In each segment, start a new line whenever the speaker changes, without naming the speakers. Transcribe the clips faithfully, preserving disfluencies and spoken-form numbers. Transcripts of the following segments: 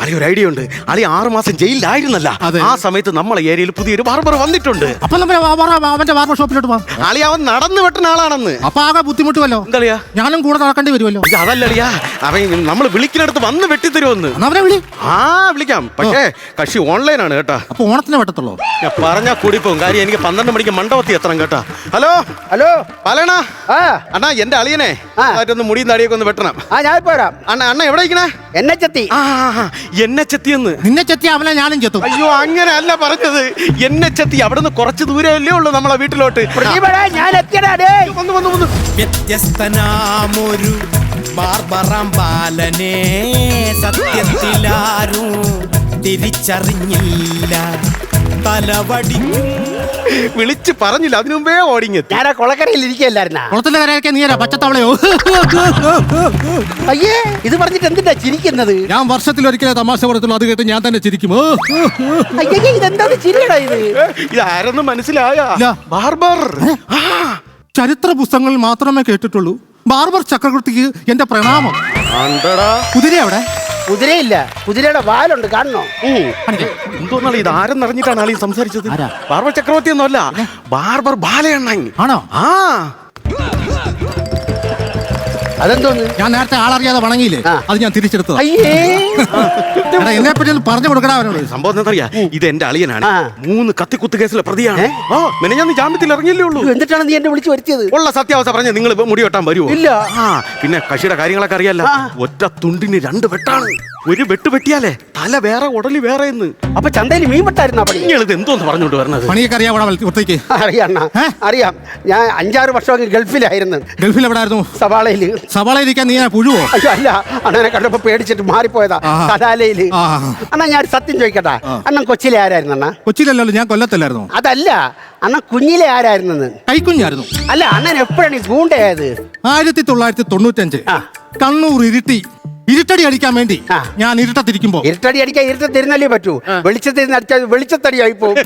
അളി ഒരു ഐഡിയ ഉണ്ട്. അളി ആറു മാസം ജയിലിലായിരുന്നല്ല, ആ സമയത്ത് നമ്മളെ ഏരിയയിൽ പുതിയൊരു ബാർബർ വന്നിട്ടുണ്ട്.
അപ്പൊ അവന്റെ ബാർബർ ഷോപ്പിലോട്ട് പോവാം.
അളി അവൻ നടന്നു വെട്ടുന്ന ആളാണെന്ന്.
അപ്പൊ ആകെ ബുദ്ധിമുട്ടുമല്ലോ.
എന്താ
ഞാനും കൂടെ നടക്കേണ്ടി വരുമല്ലോ.
അതല്ല അളിയാ, അവൻ നമ്മൾ വിളിക്കുന്നിടത്ത് വന്ന് വെട്ടിത്തരുമെന്ന്.
അവരെ വിളി.
ആ വിളിക്കാം, പക്ഷേ കക്ഷി ഓൺലൈനാണ് കേട്ടാ.
അപ്പൊ ഓണത്തിന് വെട്ടത്തുള്ളൂ.
ഞാൻ പറഞ്ഞാ കൂടി പോകും. കാര്യം എനിക്ക് പന്ത്രണ്ട് മണിക്ക് മണ്ഡപത്തി എത്തണം കേട്ടാ. ഹലോ
ഹലോ
പലണ
ആ
അണ്ണാ, എന്റെ അളിയനെ ഒന്ന് മുടിയും താടിയൊക്കെ ഒന്ന് വെട്ടണം.
ആ ഞാൻ പോരാം.
അണ്ണ അണ്ണ എവിടെ ഇരിക്കണേ?
എന്നെ ചെത്തി.
ആ എന്നെ ചെത്തിയെന്ന്.
നിന്നെ ചെത്തി അവനെ ഞാനും ചെത്തും.
അയ്യോ അങ്ങനെ അല്ല പറഞ്ഞത്, എന്നെ ചെത്തി. അവിടുന്ന് കുറച്ച് ദൂരമല്ലേ ഉള്ളൂ നമ്മളെ വീട്ടിലോട്ട്.
ഞാൻ എത്തിയടാ.
വന്നു വന്നു വന്നു.
വ്യത്യസ്തനാമൊരു ബാർബറാം ബാലനെ സത്യത്തിലാരും തിരിച്ചറിഞ്ഞില്ല. തലവടി
വിളിച്ച് പറഞ്ഞില്ല, അതിനു മുമ്പേ ഓടിങ്ങെത്തി.
ഞാൻ ആ കൊളക്കരയിൽ ഇരിക്കുകയല്ലായിരുന്ന.
കുളത്തിന്റെ കരയൊക്കെ നീരാ പച്ചത്തവളയോ?
അയ്യേ, ഇത് പറഞ്ഞിട്ട് എന്തിനാ ചിരിക്കുന്നത്?
ഞാൻ വർഷത്തിൽ ഒരിക്കലേ തമാശ പറയത്തുള്ളൂ, അത് കേട്ട് ഞാൻ തന്നെ ചിരിക്കുമോ?
അയ്യേ, ഇതെന്താ ചിരിയടാ ഇത്?
ഇത് ആരെന്ന് മനസ്സിലായ?
ഇല്ല.
ബാർബർ.
ചരിത്ര പുസ്തകങ്ങളിൽ മാത്രമേ കേട്ടിട്ടുള്ളൂ. ബാർബർ ചക്രവർത്തിക്ക് എന്റെ പ്രണാമം. കുതിര അവിടെ?
കുതിരയില്ല, കുതിരയുടെ വാലുണ്ട്, കാണണോ?
എന്തോന്നാണ് ഇത്? ആരെന്നറിഞ്ഞിട്ടാണ് ആളീ സംസാരിച്ചത്? ബാർബർ ചക്രവർത്തി ഒന്നുമല്ല, ബാർബർ ബാലയണ്ണൻ.
ആണോ?
ആ
അതെന്തോന്ന്?
ഞാൻ നേരത്തെ ആളറിയാതെ വണങ്ങിയില്ലേ, അത് ഞാൻ തിരിച്ചെടുത്തത്.
അയ്യേ,
എന്നെ പറ്റി ഒന്ന് പറഞ്ഞു കൊടുക്കണ അവനോട്.
സംഭവം എന്താ? ഇത് എന്റെ അളിയനാണ്, മൂന്ന് കത്തിക്കുത്ത് കേസിലെ പ്രതിയാണ്. ആ മെനഞ്ഞാന്ന് ജാമ്യത്തിൽ ഇറങ്ങിയല്ലേ ഉള്ളൂ.
എന്നിട്ടാണ് നീ എന്നെ വിളിച്ചു വരുത്തിയത്?
ഉള്ള സത്യാവസ്ഥ പറഞ്ഞ നിങ്ങൾ മുടി വെട്ടാൻ വരുമോ?
ഇല്ല.
ആ പിന്നെ കക്ഷിയുടെ കാര്യങ്ങളൊക്കെ അറിയാലോ. ഒറ്റ തുണ്ടിന് രണ്ട് വെട്ടാണ്. ഒരു വെട്ട് വെട്ടിയാലേ തല വേറെ ഉടലി വേറെ.
അപ്പൊ ചന്തയിൽ മീൻ വെട്ടായിരുന്ന പണി?
ഇത് എന്തോന്ന് പറഞ്ഞോണ്ട് വരണത്?
പണിയൊക്കെ അറിയാം ഒറ്റയ്ക്ക്?
അറിയാം അറിയാം. ഞാൻ അഞ്ചാറ് വർഷമൊക്കെ ഗൾഫിലായിരുന്നു.
ഗൾഫിൽ എവിടായിരുന്നു?
സവാളയില്.
സവാളയിരിക്കാൻ നീ പുഴുവോ?
അയ്യോ അല്ല, അണ്ണനെ കണ്ടപ്പോ പേടിച്ചിട്ട് മാറിപ്പോയതാ. കലാലയില്. അണ്ണാ ഞാൻ സത്യം ചോദിക്കട്ടാ, അണ്ണൻ കൊച്ചിയിലെ ആരായിരുന്നു? അണ്ണാ
കൊച്ചിയിലല്ലോ, ഞാൻ കൊല്ലത്തല്ലായിരുന്നു.
അതല്ല, അണ്ണൻ കുഞ്ഞിലെ ആരായിരുന്നെന്ന്.
കൈക്കുഞ്ഞായിരുന്നു.
അല്ല, അണ്ണൻ എപ്പോഴാണ് ഈ ഗൂണ്ടയായത്?
ആയിരത്തി തൊള്ളായിരത്തി തൊണ്ണൂറ്റഞ്ച് കണ്ണൂർ ഇരുട്ടി ഇരുട്ടടി അടിക്കാൻ വേണ്ടി ഞാൻ ഇരുട്ടത്തിരിക്കുമ്പോ.
ഇരുട്ടടി അടിക്കാൻ ഇരുട്ടത്തിരുന്നല്ലേ പറ്റൂ. വെളിച്ചത്തിരുന്ന് അടിച്ചാൽ വെളിച്ചത്തടിയായി പോകും.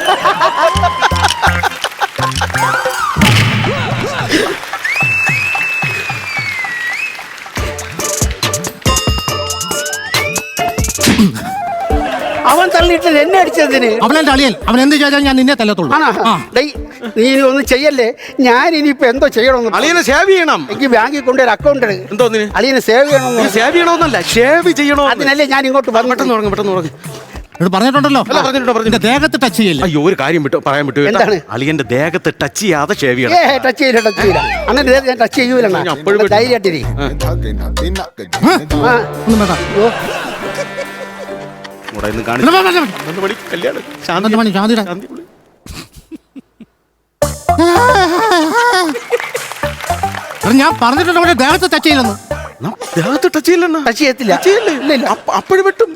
അവൻ തള്ളിയിട്ട് എന്നെ അടിച്ചതിന്.
അവനെന്റെ അളിയൻ, അവൻ എന്ത് ചെയ്താൽ ഞാൻ നിന്നെ തല്ലത്തുള്ളൂ.
നീ ഒന്നും ചെയ്യല്ലേ. ഞാൻ ഇനിയിപ്പോ എന്തോ ചെയ്യണമെന്ന്.
അളിയനെ സേവ് ചെയ്യണം.
എനിക്ക് ബാങ്കിൽ കൊണ്ടൊരു അക്കൗണ്ട് ഉണ്ട്.
എന്തോന്നിന്?
അളിയനെ സേവ് ചെയ്യണമെന്ന്.
സേവ് ചെയ്യണമെന്നല്ല, ഷേവ് ചെയ്യണോ?
അതിനല്ലേ ഞാൻ ഇങ്ങോട്ട് വന്നു.
പെട്ടെന്ന് തുടങ്ങി പെട്ടെന്ന് തുടങ്ങി
പറഞ്ഞിട്ടുണ്ടല്ലോ. ദേഹത്ത് ടച്ച് ചെയ്യില്ല.
അയ്യോ ഒരു കാര്യം വിട്ടു പറയാൻ വിട്ടു. എന്താണ്? അളിയന്റെ ദേഹത്ത് ടച്ച് ചെയ്യാതെ ഷേവ് ചെയ്യണം.
ടച്ച് ചെയ്യില്ല, ടച്ച് ചെയ്യില്ല. അണ്ണൻ ഞാൻ ടച്ച് ചെയ്യൂല. ധൈര്യമായിട്ടിരി.
ഞാൻ പറഞ്ഞിട്ടുണ്ടോ ദേഹത്ത് ടച്ച് ചെയ്യില്ലെന്ന്?
ദേഹത്ത് ടച്ച് ചെയ്യില്ലെന്ന്.
ടച്ച് ചെയ്യത്തില്ല.
അപ്പോഴും വെട്ടും.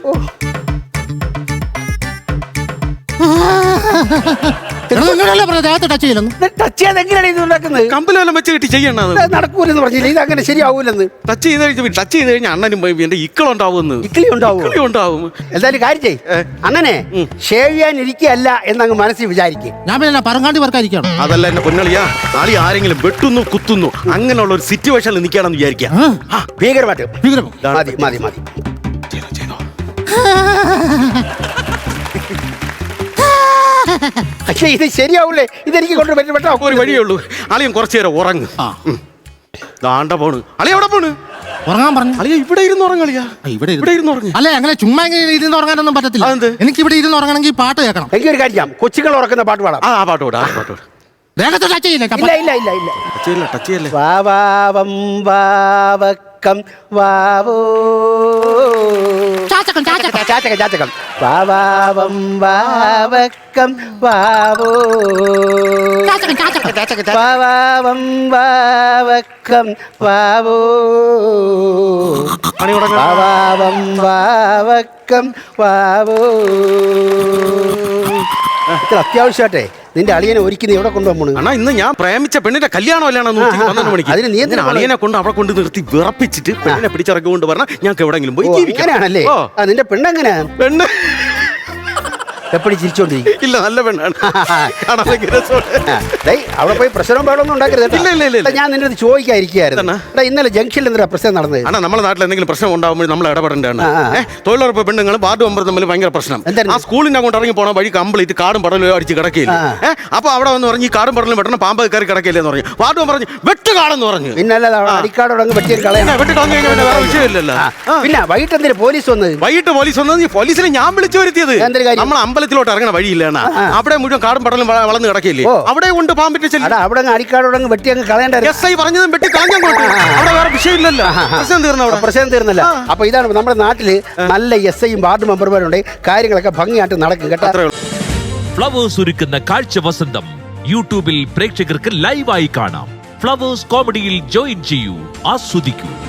കമ്പലെല്ലാം വെച്ച് കെട്ടി ചെയ്യണത്
നടക്കൂലെന്ന് പറഞ്ഞില്ല. ഇത് അങ്ങനെ ശരിയാവൂലെന്ന്.
ടച്ച് ചെയ്ത് കഴിഞ്ഞ ടച്ച് ചെയ്ത് കഴിഞ്ഞാൽ അണ്ണനും എന്റെ ഇക്കളുണ്ടാവുമെന്ന്.
ഇക്കിളി ഉണ്ടാവും
ഉണ്ടാവും.
എന്തായാലും കാര്യം ചെയ്യ്, അണ്ണനെ ഷേവ് ചെയ്യാൻ ഇരിക്കുകയല്ല എന്നങ്ങ് മനസ്സിൽ വിചാരിക്കും.
ഞാൻ പിന്നെ പറങ്ങാണ്ടി വർക്കായിരിക്കണം.
അതല്ല എന്നെ പൊന്നളിയാ, ആളി ആരെങ്കിലും വെട്ടുന്നു കുത്തുന്നു അങ്ങനെയുള്ള ഒരു സിറ്റുവേഷനിൽ നിൽക്കുകയാണെന്ന് വിചാരിക്കാം.
ഭീകരമായിട്ട് മതി മതി മതി. പക്ഷേ ഇത് ശരിയാവൂലേ? ഇതെനിക്ക് കൊണ്ട് പറ്റും.
ഒരു വഴിയേ ഉള്ളൂ. അളിയൻ കുറച്ചു നേരം ഉറങ്ങ്. ദാണ്ട പോണ്. അളിയ എവിടെ പോണ്?
ഉറങ്ങാൻ പറഞ്ഞു.
അളിയ ഇവിടെ ഇരുന്ന് ഉറങ്ങളിയാ.
ഇവിടെ
ഇവിടെ ഇരുന്ന് ഉറങ്ങി.
അല്ലെ അങ്ങനെ ചുമ്മാ ഇരുന്ന് ഉറങ്ങാനൊന്നും പറ്റത്തില്ല. എനിക്ക് ഇവിടെ ഇരുന്ന് ഉറങ്ങണമെങ്കിൽ പാട്ട് കേൾക്കണം.
എനിക്കൊരു കാര്യം, കൊച്ചുകൾ ഉറക്കുന്ന പാട്ട് പാടാം.
ആ പാട്ട് പാടാ, ആ പാട്ട് പാടാ.
ദേഹത്ത് ടച്ച് ചെയ്യില്ല.
ഇല്ല ഇല്ല ഇല്ല ഇല്ല
ടച്ച് ചെയ്യില്ല, ടച്ച് ചെയ്യല്ലേ.
വാവാവം വാവക്കം വാവോ
ചാച്ചകം ചാച്ചകം
ചാച്ചകം ചാച്ചകം വാവാവം വാവക്കം വാവോ
ചാച്ചകം ചാച്ചകം ചാച്ചകം
വാവാവം വാവക്കം വാവോ വാവാവം വാവക്കം വാവോ. ഇത്ര അത്യാവശ്യമായിട്ടെ നിന്റെ അളിയനെ ഒരുക്കി എവിടെ കൊണ്ടുപോകും?
അണ്ണാ ഇന്ന് ഞാൻ പ്രേമിച്ച പെണ്ണിന്റെ കല്യാണം അല്ലാണെന്ന് പന്ത്രണ്ട് മണിക്ക്. അതിന് നീ അളിയനെ കൊണ്ട് അവിടെ കൊണ്ട് നിർത്തി വിറപ്പിച്ചിട്ട് പെണ്ണിനെ പിടിച്ചിറക്കി കൊണ്ട് പറഞ്ഞാൽ ഞങ്ങൾക്ക് എവിടെങ്കിലും പോയി ജീവിക്കാനാണല്ലേ?
നിന്റെ പെണ്ണെങ്ങനെ?
പെണ്ണ്
എപ്പോഴും ചിരിച്ചോണ്ടിരിക്കും.
ഇല്ല, നല്ല പെണ്ണാണ്. കാണാൻ ഭയങ്കര രസമുണ്ട്.
ഡേയ്, അവിടെ പോയി പ്രശ്നവും പാടൊന്നും ഉണ്ടാക്കരുത് കേട്ടോ.
ഇല്ല, ഇല്ല, ഇല്ല, ഇല്ല.
എടാ, ഞാൻ നിന്റെ അടുത്ത് ചോദിക്കാതിരിക്കുകയായിരുന്നു.
എന്നാ?
എടാ, ഇന്നലെ ജംഗ്ഷനിൽ എന്തിനാ പ്രശ്നം നടന്നത്?
ആണ് നമ്മുടെ നാട്ടിൽ എന്തെങ്കിലും പ്രശ്നം ഉണ്ടാകുമ്പോൾ നമ്മൾ ഇടപെടേണ്ടതാണ്.
ആ, ആ.
ഏഹ് തൊഴിലുറപ്പ് പെണ്ണുങ്ങൾ വാർഡ് മെമ്പർ തമ്മിൽ ഭയങ്കര പ്രശ്നം.
എന്തായിരുന്നു?
ആ സ്കൂളിന്റെ അങ്ങോട്ട് ഇറങ്ങി പോണ വഴി കംപ്ലീറ്റ് കാടും പടലും അടിച്ച് കിടക്കില്ല.
ആ.
ഏഹ് അപ്പൊ അവിടെ വന്ന് പറഞ്ഞ് ഈ കാടും പടലും വെട്ടണം, പാമ്പ് കയറി കിടക്കില്ല എന്ന് പറഞ്ഞു. വാർഡ് മെമ്പർ പറഞ്ഞു വെട്ട് കാടെന്ന് പറഞ്ഞു.
പിന്നല്ല അടിക്കാടോടങ്ങ് വെട്ടിയും കളയണം.
പിന്നെ വെട്ടി കളഞ്ഞു കഴിഞ്ഞാൽ പിന്നെ വേറെ വിഷയമില്ലല്ലോ.
ആ. പിന്നെ വൈകിട്ട് എന്തിനാ പോലീസ് വന്നത്?
വൈകിട്ട് പോലീസ് വന്നത് ഈ പോലീസിനെ ഞാൻ വിളിച്ചു വരുത്തിയത്.
എന്തൊരു കാര്യം?
നമ്മൾ അമ്പലത്തിലോട്ട് ഇറങ്ങണ വഴിയില്ല, അവിടെ മുഴുവൻ കാടും പടലും വള- വളർന്ന് കിടക്കില്ലേ,
ഓ.
അവിടെ കൊണ്ട് പാമ്പിന്റെ ചെല്ലി.
അടാ, അവിടെ അങ്ങ് അടിക്കാടോടങ്ങ് വെട്ടി അങ്ങ് കളയണ്ടായിരുന്നു.
എസ് ഐ പറഞ്ഞതും വെട്ടി കളഞ്ഞങ്ങോട്ട്. അവിടെ വേറെ വിഷയമില്ലല്ലോ, പ്രശ്നം തീർന്നു അവിടെ.
പ്രശ്നം തീർന്നല്ല. അപ്പൊ ഇതാണ് നമ്മുടെ നാട്ടില് നല്ല എസ് ഐയും വാർഡ് മെമ്പർമാരുണ്ട്. കാര്യങ്ങളൊക്കെ ഭംഗിയായിട്ട് നടക്കും കേട്ടോ.
അത്രേ ഉള്ളൂ.
ഫ്ലവേഴ്സ് ഒരുക്കുന്ന കാഴ്ച വസന്തം യൂട്യൂബിൽ പ്രേക്ഷകർക്ക് ലൈവായി കാണാം. ഫ്ലവേഴ്സ് കോമഡിയിൽ ജോയിൻ ചെയ്യൂ, ആസ്വദിക്കൂ.